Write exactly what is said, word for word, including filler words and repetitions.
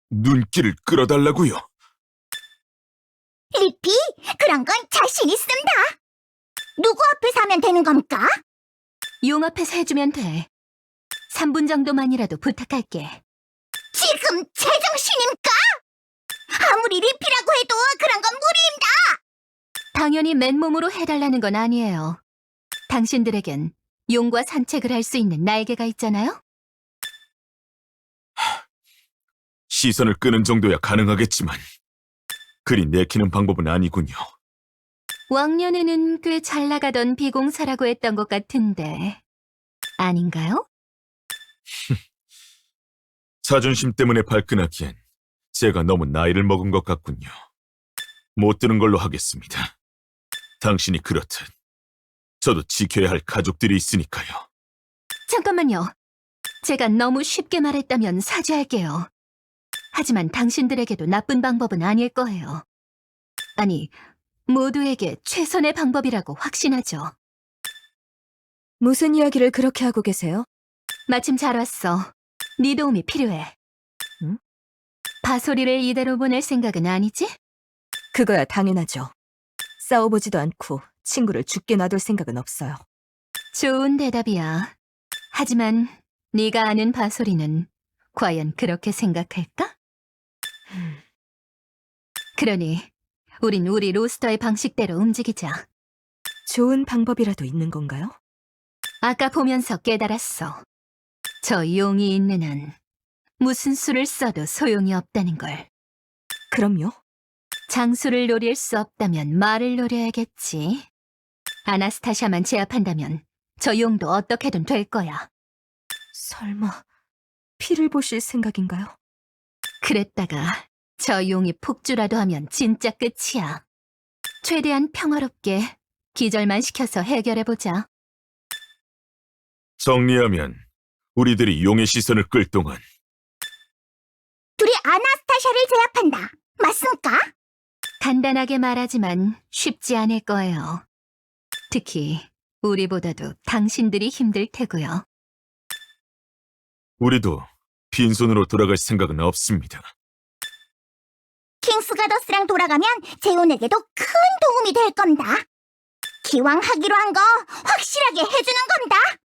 눈길을 끌어달라고요. 리피, 그런 건 자신 있습니다. 누구 앞에서 하면 되는 겁니까? 용 앞에서 해주면 돼. 삼 분 정도만이라도 부탁할게. 지금 제정신입니까? 아무리 리피라고 해도 그런 건 무리입니다. 당연히 맨몸으로 해달라는 건 아니에요. 당신들에겐 용과 산책을 할 수 있는 날개가 있잖아요? 시선을 끄는 정도야 가능하겠지만 그리 내키는 방법은 아니군요. 왕년에는 꽤 잘 나가던 비공사라고 했던 것 같은데 아닌가요? 자존심 때문에 발끈하기엔 제가 너무 나이를 먹은 것 같군요. 못 드는 걸로 하겠습니다. 당신이 그렇듯 저도 지켜야 할 가족들이 있으니까요. 잠깐만요. 제가 너무 쉽게 말했다면 사죄할게요. 하지만 당신들에게도 나쁜 방법은 아닐 거예요. 아니, 모두에게 최선의 방법이라고 확신하죠. 무슨 이야기를 그렇게 하고 계세요? 마침 잘 왔어. 네 도움이 필요해. 응? 바소리를 이대로 보낼 생각은 아니지? 그거야 당연하죠. 싸워보지도 않고 친구를 죽게 놔둘 생각은 없어요. 좋은 대답이야. 하지만 네가 아는 바소리는 과연 그렇게 생각할까? 그러니 우린 우리 로스터의 방식대로 움직이자. 좋은 방법이라도 있는 건가요? 아까 보면서 깨달았어. 저 용이 있는 한 무슨 수를 써도 소용이 없다는 걸. 그럼요. 장수를 노릴 수 없다면 말을 노려야겠지. 아나스타샤만 제압한다면 저 용도 어떻게든 될 거야. 설마 피를 보실 생각인가요? 그랬다가 저 용이 폭주라도 하면 진짜 끝이야. 최대한 평화롭게 기절만 시켜서 해결해보자. 정리하면 우리들이 용의 시선을 끌 동안 둘이 아나스타샤를 제압한다. 맞습니까? 간단하게 말하지만 쉽지 않을 거예요. 특히 우리보다도 당신들이 힘들 테고요. 우리도 빈손으로 돌아갈 생각은 없습니다. 킹스가더스랑 돌아가면 제온에게도 큰 도움이 될 겁니다. 기왕 하기로 한 거 확실하게 해주는 겁니다.